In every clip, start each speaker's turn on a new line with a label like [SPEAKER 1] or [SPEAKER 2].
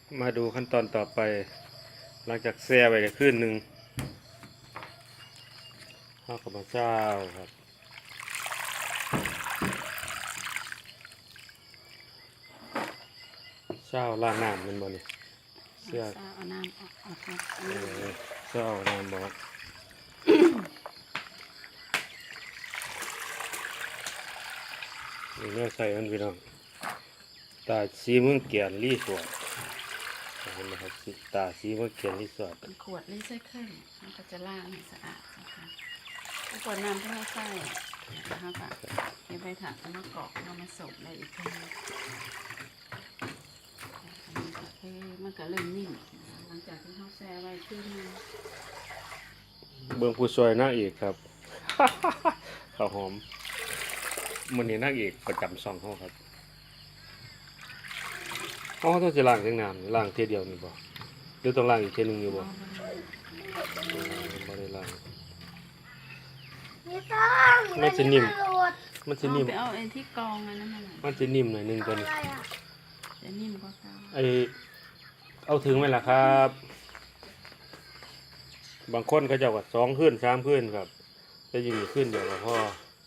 [SPEAKER 1] มาดูขั้นตอนต่อไปหลังจากแช่ไว้ได้คืนหนึ่งข้าวกับมะเจ้าครับเจ้าล่างน้ำมันบ่เนี่ยเสื้อ
[SPEAKER 2] เอาน้ำออกครับ
[SPEAKER 1] เจ้าน้ำบอกนี่แม่ใส่มันพี่น้องตาสีเมืองเกียนรีสอร์ทเห็นไหมครับตาสีเมืองเกียนรีสอร์ท
[SPEAKER 2] เป็นขวดรีไซเคิลมันก็จะล้างให้สะอาดนะคะขวดน้ำที่เราใส่นะคะค่ะเก็บไปถังแล้วมากรอกเรามาส่งได้อีกทีมันก็เริ่มนิ่มหลังจากที่เขาแช่ไว้ขึ้นมา
[SPEAKER 1] เบื้องผู้ช่วยนางเอกครับ ข้าวหอมมันนี่นางเอกประจำช่องเขาครับเขาต้องจะล้างทั้งน้ำล้างเทียเดียวนี่บ่หรือต้องล้างอีกเทียหนึงอยู่บ่ไม่ได้ล้าง
[SPEAKER 3] ไม่ต้อง
[SPEAKER 1] มันจะนิ่ม มันจะ
[SPEAKER 2] เอา
[SPEAKER 1] นิ่ม
[SPEAKER 2] ไปเอาไอ้ที่กรองอันนั้นมา
[SPEAKER 1] มันจะนิ่มหน่อยหนึงตัว
[SPEAKER 3] อะ
[SPEAKER 1] นี้
[SPEAKER 3] ไรอ่ะ
[SPEAKER 2] จะนิ่มกว่าเก่า
[SPEAKER 1] เอาถึงไหมล่ะครับ บางคนก็จะว่า2 คืน 3 คืนครับจะยิงขึ้นเดียวกับพ่อ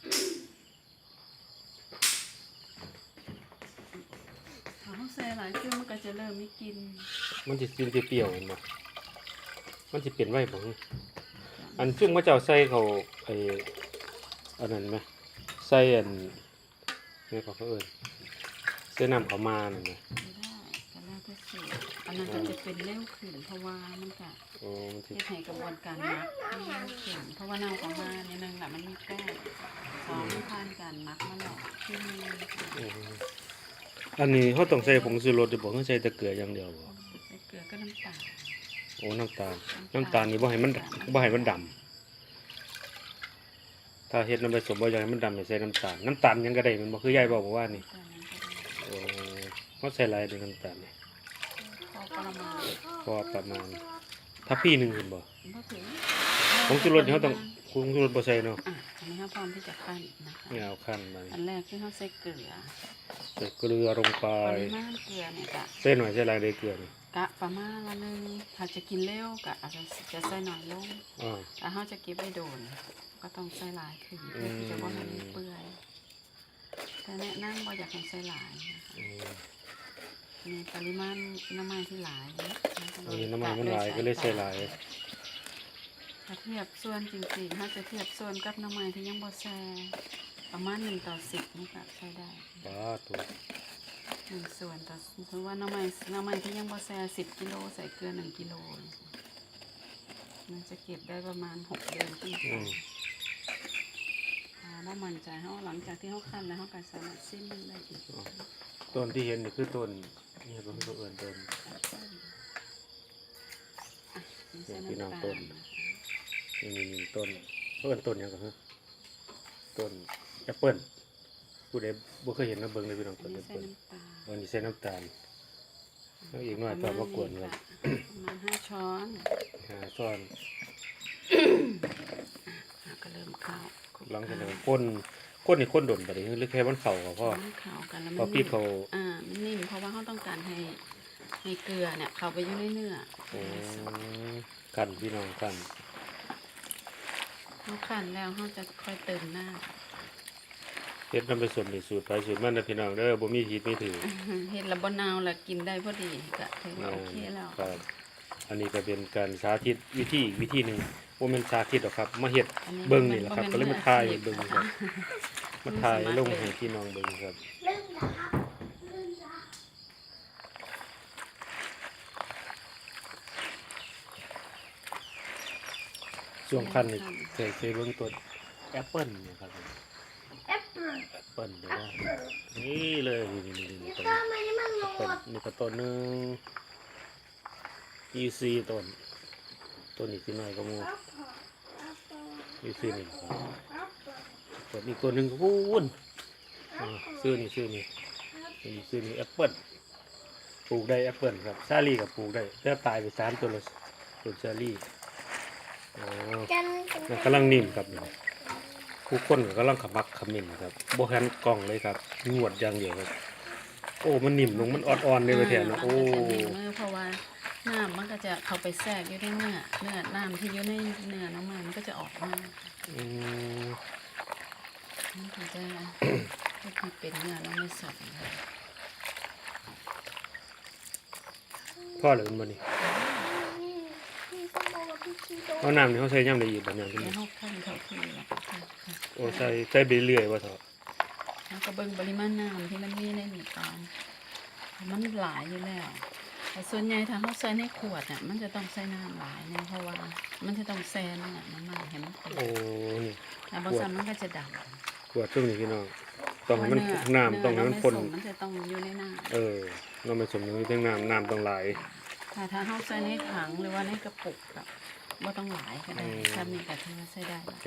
[SPEAKER 2] ถ้าเขาแช่หลายขึ้นมันก็จะเริ่มไม่กิน
[SPEAKER 1] มันจะกินเปรี้ยวๆเห็นบ่มันจะเปลี่ยนไว้บ่อันซึ่งพระเจ้าใส่เขาอันนั้นไหมใส่อันนี่เขาเอิ้นใส่น้ำเขามานั่นไหม
[SPEAKER 2] ไม่ได้ก็แล้วแต่สูตรอันนั้นก็จะเป็นเร็วขึ้นเพราะว่ามันก็
[SPEAKER 1] โอ้มันสิ
[SPEAKER 2] เฮ็ดให้กระบวนการหมักมันเร็วขึ้นเพราะว่าน้ำของมาในหนึ่งแหละมันมีแป้งสองมันผ่านการหมักมาแล้วที่มี
[SPEAKER 1] อืมอันนี้เขาต้องใส่ผงชูรสหรือบ่เขาใส่แต่เกลืออย่างเดียวบ่
[SPEAKER 2] ใส่เกลือก็น้ำตาล
[SPEAKER 1] โอ้น้ำตาลนี่บ่ให้มันดำถ้าเฮ็ดน้ำผสมบ่อยากให้มันดำให้ใส่น้ำตาลหยังก็ได้มันบ่คือยายบอกว่านี่ โอ้เขาใส่หลายเด้อน้ำตาลนี่
[SPEAKER 2] พอประมาณ
[SPEAKER 1] พอประมาณถ้าพี่หนึงเห็นบ่
[SPEAKER 2] ก็ถึง
[SPEAKER 1] ผงชูรสนี่เขาต้องผงชูรสบ่ใส่เนาะ
[SPEAKER 2] อันนี้เขาพร้อมที่จะขั้นนะคะ
[SPEAKER 1] นี่เอาขั้นมา
[SPEAKER 2] อันแรกที่เขาใส่เกลือ
[SPEAKER 1] ใส่เกลือลงไป
[SPEAKER 2] ปริมาณเกลือเนี่ยกะ
[SPEAKER 1] ใส่หน่อยใส่หลายได้เกลือนี่
[SPEAKER 2] กะประมาณละนึงถ้าจะกินเร็วกะอาจจะใส่หน่อยลง
[SPEAKER 1] อ่า
[SPEAKER 2] ถ้าเขาจะเก็บไว้โดน ก็ต้องใส่หลายขึ้นเพื่อที่จะว่ามันไม่เปื่อยแต่แนะนำว่าอยากให้ใส่หลายนะคะ
[SPEAKER 1] อืม
[SPEAKER 2] มีปริมาณน้ำมันที่หลายนะ
[SPEAKER 1] อันนี้น้ำมันมันหลายก็เลยใส่หลาย
[SPEAKER 2] ถ้าเทียบส่วนจริงๆถ้าจะเทียบส่วนกับน้ำมันที่ยังบ่แซ่ประมาณ1:10นี่ก็ใช้ได้
[SPEAKER 1] ป้าถูก
[SPEAKER 2] 1 ส่วนต่อสมมติว่าน้ำมันที่ยังบ่แซ่10 กิโลใส่เกลือ1 กิโลมันจะเก็บได้ประมาณ6 เดือนขึ้นไป ถ้ามั่นใจเขาหลังจากที่เขาคั่นแล้วเขาก็สามารถซิมมันได้อีก
[SPEAKER 1] ต้นที่เห็นนี่คือต้นนี่ก็คือเอิ้นต้น
[SPEAKER 2] ใส่
[SPEAKER 1] พี่น้อง
[SPEAKER 2] น้ำ
[SPEAKER 1] ต้
[SPEAKER 2] ตาล
[SPEAKER 1] น นี่ต้นเอิ้นต้นหยังก็คือต้นแอปเปิ้ลผู้ใดบ่เคยเห็นนะเบิ่งเลยพี่น้อง
[SPEAKER 2] อั
[SPEAKER 1] ต้
[SPEAKER 2] น
[SPEAKER 1] นแอ
[SPEAKER 2] นี้
[SPEAKER 1] ป
[SPEAKER 2] ใส่
[SPEAKER 1] เปิ้ล
[SPEAKER 2] น้ำตาล
[SPEAKER 1] อันนี้ใส่น้ำตาลแล้วอีกหน่อยตอนมากวนครับ
[SPEAKER 2] ประมาณ5 ช้อน
[SPEAKER 1] ช้อน
[SPEAKER 2] ก็เริ่มเข้า
[SPEAKER 1] หลังจากนั้นคนนี่คนดนไปเลยหรือแค่มันเข่าก็พอ
[SPEAKER 2] มันเข้ากันแล้ว
[SPEAKER 1] พอ
[SPEAKER 2] มัน
[SPEAKER 1] พี่
[SPEAKER 2] นิ่ม
[SPEAKER 1] เขา
[SPEAKER 2] มันนิ่มเพราะว่าเขาต้องการให้เกลือเนี่ยเข้าไปอยู่ในเนื้อ
[SPEAKER 1] กันพี่น้องกัน
[SPEAKER 2] เขาคั่นแล้วเขาจะค่อยเติมน้
[SPEAKER 1] เฮ็ดนำไปส่วนนี่สูตรไปสูตรมันนะพี่น้องเด้อบ่มีผิดมีถือ
[SPEAKER 2] ำเห็ดระบนาวแล้วกินได้พอดีก็ถือว่าโอเคแล้ว
[SPEAKER 1] ครับอันนี้ก็เป็นการสาธิตวิธีหนึงบ่แม่นสาธิตหรอกครับ มาเฮ็ดเบิ่งนี่แหละครับก็เลยมาถ่ายให้เบิ่งครับมาถ่ายลงให้พี่น้องเบิ่งครับ
[SPEAKER 3] เริ่มนะครับเริ่มจ้ะ
[SPEAKER 1] ช่วงคันนี่เคยเบิ่งต้นแอปเปิ้ลเนี่ยครับ
[SPEAKER 3] แอปเปิ้ล
[SPEAKER 1] แอปเปิ้ลเด้อนี่เลยนี่
[SPEAKER 3] นี่
[SPEAKER 1] ต้น
[SPEAKER 3] ก็ไม่ได้มันหม
[SPEAKER 1] แอปเปิ้ล
[SPEAKER 3] ด
[SPEAKER 1] นี่ก็ต้นหนึงEC ต้นนี้สิน้อยก็หมู่
[SPEAKER 3] แอปเปิ้ลแอปเปิ้ล
[SPEAKER 1] EC นี่ครับ
[SPEAKER 3] แอปเปิ้ล
[SPEAKER 1] ต้นอีกตัวหนึงก็พูนซื้อนี่แอปเปิ้ลปลูกได้แอปเปิ้ลครับซาลี่ก็ปลูกได้แต่ตายไป3ตัวละต้นซาลี่อ๋อ
[SPEAKER 3] กัน
[SPEAKER 1] มันกำลังนิ่มครับนี่ผู้คนก็กำลังขมักเขมิ้นครับบ่หันกล้องเลยครับงวดอย่างเดียวครับโอ้มันนิ่มลงมันอ่อนๆเลยว่าแท้เนาะโอ้
[SPEAKER 2] มันก็จะนิ่มมือเพราะว่าน้ำมันก็จะเข้าไปแทรกอยู่ในเนื้อน้ำที่อยู่ในเนื้อน้ำมันก็จะออกมา
[SPEAKER 1] อืม
[SPEAKER 2] มันก็จะก็คือเป็นเนื้อน้ำมันสดนะคะ
[SPEAKER 1] พ่อเหลือมันบ่นี่
[SPEAKER 3] พี่ต้องบอกว่าพี่ชีโด
[SPEAKER 1] เอาน้ำนี่เขาใส่ย่ำได้อีกบ่เนี่ย
[SPEAKER 2] แล้วเขาขั้นเขาคือแล้วก็ค่ะ
[SPEAKER 1] โอ้ใส่ไปเรื่อยว่าเถอะ
[SPEAKER 2] แล้วก็เบิ่งปริมาณน้ำที่มันมีในนี่ก่อนมันหลายอยู่แล้วแต่ส่วนใหญ่ถ้าเขาใส่ในขวดน่ะมันจะต้องใส่น้ำหลายเนี่ยเพราะว่ามันจะต้องแซ่เนื้อน้ำมันให้มันเต็ม
[SPEAKER 1] โอ้นี่
[SPEAKER 2] แล้วบางส่วนมันก็จะดำ
[SPEAKER 1] ขวดช่วงนี้พี่น้องต้องให้มันน้ำต้องให้มันพ่น
[SPEAKER 2] มันจะต้องอยู่ในน้
[SPEAKER 1] เราไม่สมอย่างนี้ทั้งน้ำต้องไหลาย
[SPEAKER 2] ำถ้าเขาใส่ในถังหรือว่าในกระปุกแบบว่าต้องหลายก็ได้ถ้ามีกระเทียมใส่ได้
[SPEAKER 1] จะ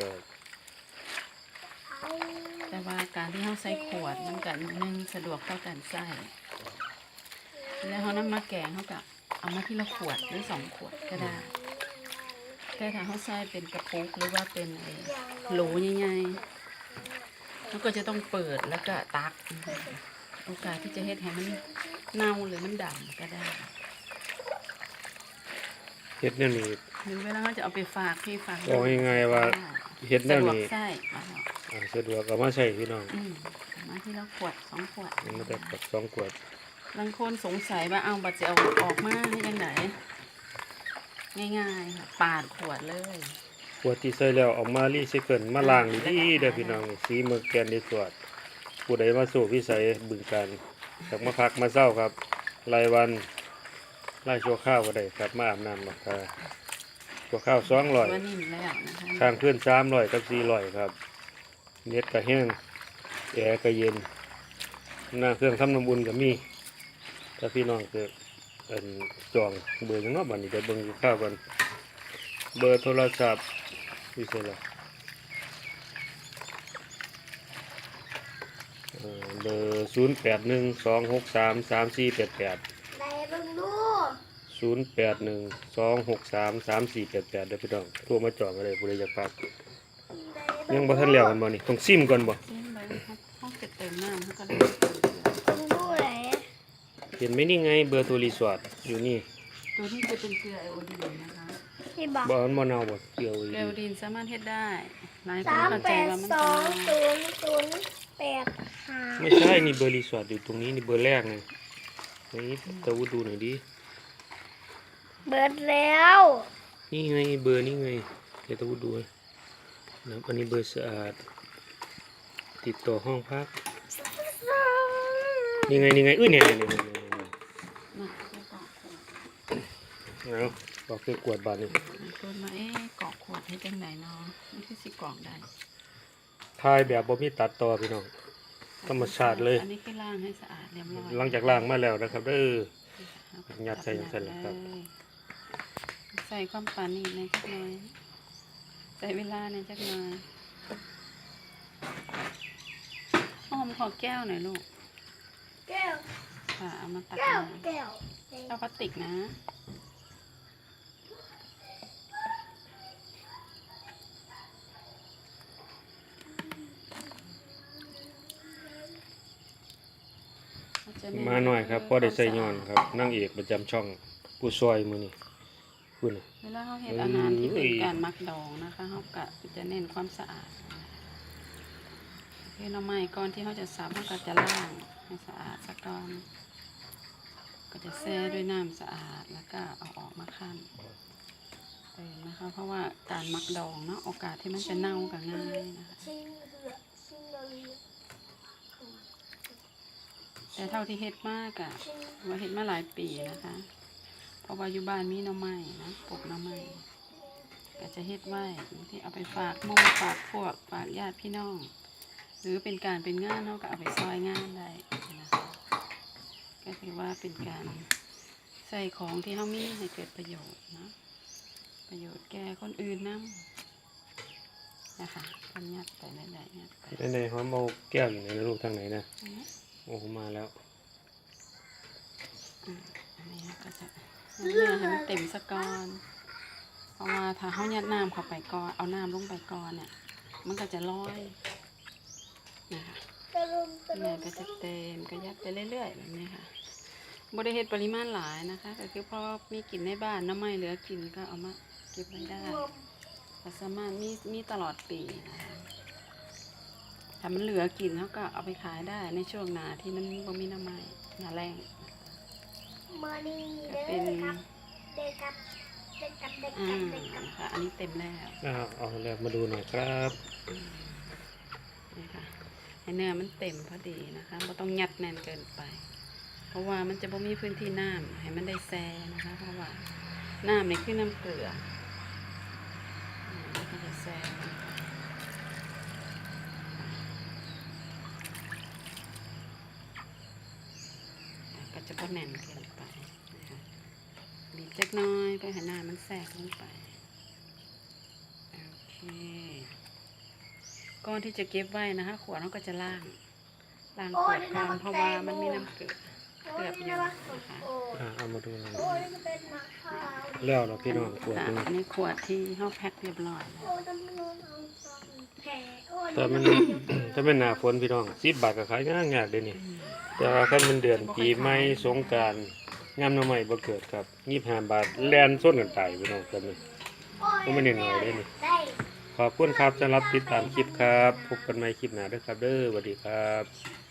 [SPEAKER 2] แต่ว่าการที่เขาใส่ขวดมันก็หนึ่งสะดวกต่อการใส่แล้วเขานำมาแกงเขาก็เอามาทีละขวดหรือ2 ขวดก็ได้แต่ถ้าเขาใส่เป็นกระปุกหรือว่าเป็นโหลใหญ่ๆเขาก็จะต้องเปิดแล้วก็ตักโอกาสที่จะเฮ็ดให้มันเน่าหรือมันดำก็ได้
[SPEAKER 1] เฮ็ดแนวนี้
[SPEAKER 2] หรือเวลาเขาจะเอาไปฝากพี่ฝาก
[SPEAKER 1] บอกง่ายๆว่าเฮ็ดแน
[SPEAKER 2] สะ
[SPEAKER 1] ว
[SPEAKER 2] ดวก
[SPEAKER 1] นี้
[SPEAKER 2] ใส่มาแล้ว
[SPEAKER 1] สะดวกเอามาใช้พี่น้อง
[SPEAKER 2] เอามาทีละขวด2 ขวด
[SPEAKER 1] มันมาแต่กับ2 ขวด
[SPEAKER 2] บางคนสงสัยว่าเอาบัตรจะเอาออกมาให้ยังไงง่ายๆค่ะปาดขวดเลย
[SPEAKER 1] ขวดที่ใส่แล้วเออกมารีไซเคิลมาล้างดีๆเด้อพี่น้องสีเมืองแกนในสวดผู้ใดมาสู่วิสัยบึงการจากมาพักมาเศร้าครับรายวันรายชั่วข้าวก็ได้ครับมาอาบน้ำมาค่ะชั่วข้าว200
[SPEAKER 2] ว่านิ่มแล้วนะคะ
[SPEAKER 1] ข้างเพื่อน300กับ400ครับเน็ตก็แห้งแอร์ก็เย็นหน้าเครื่องทำน้ำอุ่นก็มีถ้าพี่น้องเกิดจองเบอร์จังเนาะบัดนี้เดี๋ยวเบิ่งอยู่ข้าวกันเบอร์โทรศัพท์วิเศษละเบอร์0812633488
[SPEAKER 3] ไหนเบิ่งดู
[SPEAKER 1] 0812633488เด้อพี่น้องโทรมาจองก็ได้ผู้ใดอยากพัก
[SPEAKER 3] ไหน
[SPEAKER 1] ยังบ่ทันแล้วกันบ่นี่ต้องซิมก่อนบ่
[SPEAKER 2] ซิมไปเขาจะเติมน้ำเขาก็ได้
[SPEAKER 3] เบิ่งดูไหน
[SPEAKER 1] เห็นไหมนี่ไงเบอร์โทรรีสอร์ทอยู่นี่
[SPEAKER 2] ตัวนี้จะเป็นเกลือไอโอดีนนะคะ
[SPEAKER 3] ที่บอก
[SPEAKER 1] บ่มันบ่เน่าบ่เกี่ยว
[SPEAKER 2] เกลือไอโอดีนสามารถเฮ็ดได้หลายคน
[SPEAKER 3] 3
[SPEAKER 2] เข้าใจ
[SPEAKER 3] 8
[SPEAKER 2] ว่ามัน
[SPEAKER 3] 2
[SPEAKER 2] ทำ
[SPEAKER 3] 0 0 8 5
[SPEAKER 1] ไม่ใช่นี่เบอร์รีสอร์ทอยู่ตรงนี้นี่เบอร์แรกไงนี่ตะวุดูหน่อยดิ
[SPEAKER 3] เบิดแล้ว
[SPEAKER 1] นี่ไงเบอร์นี่ไงเดี๋ยวตะวุดูนะอันนี้เบอร์สะอาดติดต่อห้องพักนี่ไงอุ้ยเนี่ย
[SPEAKER 2] นะแล้วก็
[SPEAKER 1] เอาบอกคือกวดบาดนี่
[SPEAKER 2] ตัวมากรอกขวดให้จังไหนเนาะนี่คือสิกรอกได้
[SPEAKER 1] ทายแบบบ่มีตัดต่อพี่น้องธรรมชาติเลย
[SPEAKER 2] อันนี้คือล้างให้สะอาดเรียบร้อย
[SPEAKER 1] หลังจากล้างมาแล้วนะครับเด้อ ยัดใส่จังซั่นแหละครับ
[SPEAKER 2] ใส่ความปานนีในจักหน่อยใส่เวลาในจักหน่อยหอมขอแก้วหน่อยลูก
[SPEAKER 3] แก้ว
[SPEAKER 2] ค่ะเอามาตัก
[SPEAKER 3] แก้ว
[SPEAKER 2] น้
[SPEAKER 3] แก้ว
[SPEAKER 2] ำเอาพลาสติกนะจะเ
[SPEAKER 1] มาหน่อยครับพอได้ใส่ย้อนครับนางเอกประจำช่องผู้ซอยมื้อนี้คุณน่ะ
[SPEAKER 2] เวลาเขาเห็ดอาหารที่เป็นการมักดองนะคะเขาก็จะเน้นความสะอาดเพื่อหน่อไม้ก่อนที่เขาจะสับเขาก็จะล้างให้สะอาดสักก่อนก็จะแช่ด้วยน้ำสะอาดแล้วก็เอาออกมาคั่นนะคะเพราะว่าการมักดองเนาะโอกาสที่มันจะเน่าก็ง่ายนะคะ
[SPEAKER 3] ชิงเหือชิงเลย
[SPEAKER 2] แต่เท่าที่เฮ็ดมากอะว่าเฮ็ดมาหลายปีนะคะ เพราะว่าอยู่บ้านมีหน่อไม้นะปลูกหน่อไม้ก็จะเฮ็ดไว้ที่เอาไปฝากหมู่ฝากพวกฝากญาติพี่น้อง หรือเป็นการเป็นงานเขาก็เอาไปซอยงานได้นะคะก็ถือว่าเป็นการใส่ของที่เขามีให้เกิดประโยชน์นะประโยชน์แก่คนอื่นนำนะคะกันยัดไปได้ๆยัดไป
[SPEAKER 1] ในหอมเอาแก้วอยู่ในลูกทางไหนนะโอ้มาแล้ว
[SPEAKER 2] อันนี้ก็จะเนื้อให้มันเต็มสะก่อนเพราะว่าถ้าเขายัดน้ำเข้าไปก่อนเอาน้ำลงไปก่อนเนี่ยมันก็จะลอยนะคะ
[SPEAKER 3] เต็
[SPEAKER 2] แม่ก็จะเต็มก็ยัดไปเรื่อยๆแบบนี้ค่ะบ่ได้เฮ็ดปริมาณหลายนะคะก็คือพอมีกินในบ้านน้ำไม่เหลือกินก็เอามาเก็บไว้ได้ก็สามารถมีตลอดปีนะคะถ้ามันเหลือกินเขาก็เอาไปขายได้ในช่วงหน้าที่มันบ่มีน้ำไม้หน้าแรง
[SPEAKER 3] มานี่
[SPEAKER 2] ก็
[SPEAKER 3] เด้
[SPEAKER 2] เป็น
[SPEAKER 3] อครับเด็กครับเด็กครับเด็ก
[SPEAKER 2] อ่า
[SPEAKER 3] ครับเด็กครับ
[SPEAKER 2] ค่ะอันนี้เต็มแล้ว
[SPEAKER 1] เอาแล้วมาดูหน่อยครับ
[SPEAKER 2] นี่ค่ะให้เนื้อมันเต็มพอดีนะคะไม่ต้องยัดแน่นเกินไป เพราะว่ามันจะบ่มีพื้นที่น้ำให้มันได้แซ่นะคะ เพราะว่าน้ำนี่คือน้ำเกลือมันก็จะแซ่ก็จะบ่แน่นเกินไปนะคะบีบจักหน้อยเพื่อให้น้ำมันแทรกลงไปโอเคก่อนที่จะเก็บไว้นะคะขวดเราก็จะล้างขวดก่อนเพราะว่ามันมีน้ำเกลือเกือบอยู่นะคะ
[SPEAKER 1] เอามาดูหน่อย
[SPEAKER 3] โอ้ยจะเป็นมะพร้าว
[SPEAKER 1] แล้วเนาะพี่น้องขวด
[SPEAKER 2] ค่ะ
[SPEAKER 1] หนึง
[SPEAKER 2] อันนี้ขวดที่เขาแพ็คเรียบร้อยแล้ว
[SPEAKER 3] โอ้ยจะไม่รู้เอาซองแผลโอ้ย
[SPEAKER 1] แต่มันถ้าเป็นหน้าฝนพี่น้อง10 บาทก็ขายยากๆเด้นี่แต่ว่าคันมันเดือนปีใหม่สงกรานต์งามหน่อไม้บ่เกิดครับ25 บาทแล่นส้นกันตายพี่น้องกันนี่ ก็ไม่ได้น้อยเด้นี่
[SPEAKER 3] ได้
[SPEAKER 1] ขอบคุณครับสำหรับติดตามคลิปครับพบกันใหม่คลิปหน้าเด้อครับเด้อสวัสดีครับ